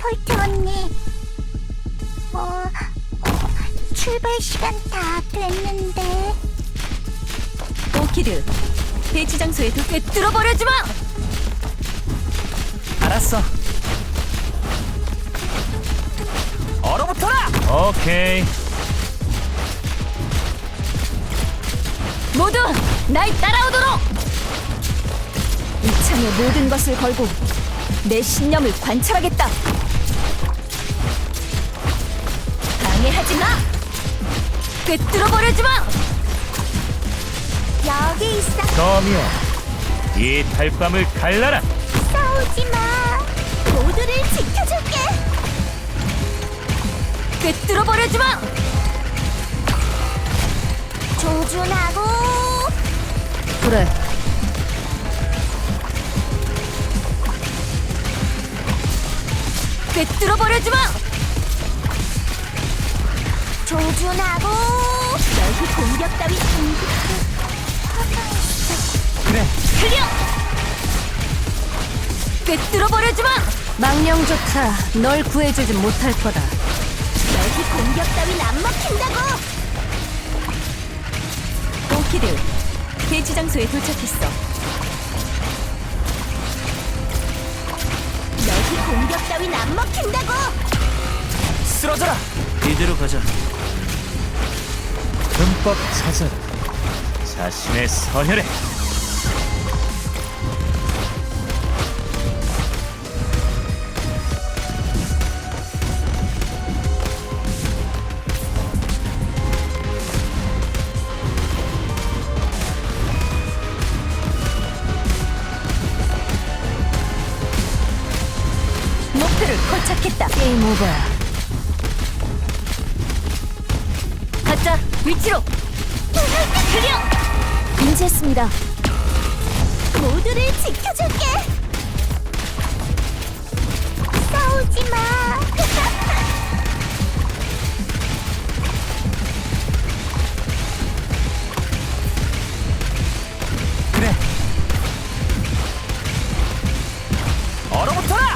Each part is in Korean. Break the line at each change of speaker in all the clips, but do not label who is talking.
폴트 언니. 출발 시간 다 됐는데.
오키드, 배치 장소에 두께 뚫어버려주마!
알았어. 얼어붙어라. 오케이.
모두 날 따라오도록! 이 창에 모든 것을 걸고 내 신념을 관철하겠다. 방해하지 마! 꿰뚫어버려주마!
여기 있어.
거미야, 이 달밤을 갈라라.
싸우지 마. 모두를 지켜줄게.
꿰뚫어버려주마!
조준하고.
그래. 꿰뚫어버려주마!
조준하고. 너희 공격 따위
그래.
클리어! 꿰뚫어버려주마! 망령조차 널 구해주진 못할 거다.
너희 공격 따윈 안 먹힌다고.
오키드, 배치 장소에 도착했어.
너희 공격 따윈 안 먹힌다고.
쓰러져라. 이대로 가자. 흠뻑 찾아라. 자신의 서열에.
목표를 포착했다. 게임 오버야. 가자, 위치로! 클리어! 인지했습니다.
모두를 지켜줄게. 싸우지 마.
그래. 얼어붙어라.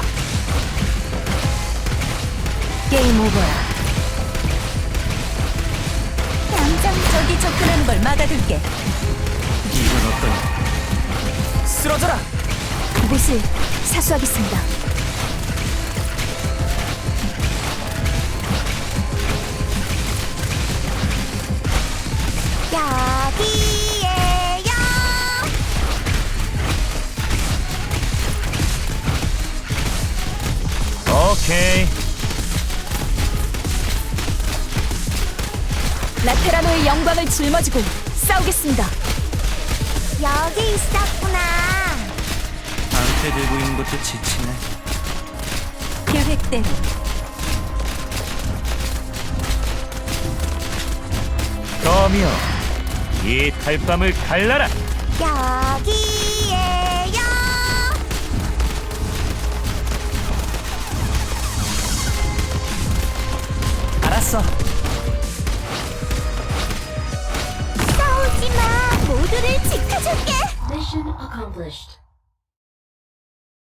게임 오버야.
얌전히
적이 접근하는 걸 막아둘게.
이건 어떠냐? 쓰러져라.
그곳을 사수하겠습니다.
여기에요.
오케이.
라테라노의 영광을 짊어지고 싸우겠습니다.
여기 있었구나.
방패 들고 있는 것도 지치네.
계획대로.
거미여, 이 달밤을 갈라라.
여기에요.
알았어.
싸우지 마. 모두를 지켜줄게.
Mission accomplished.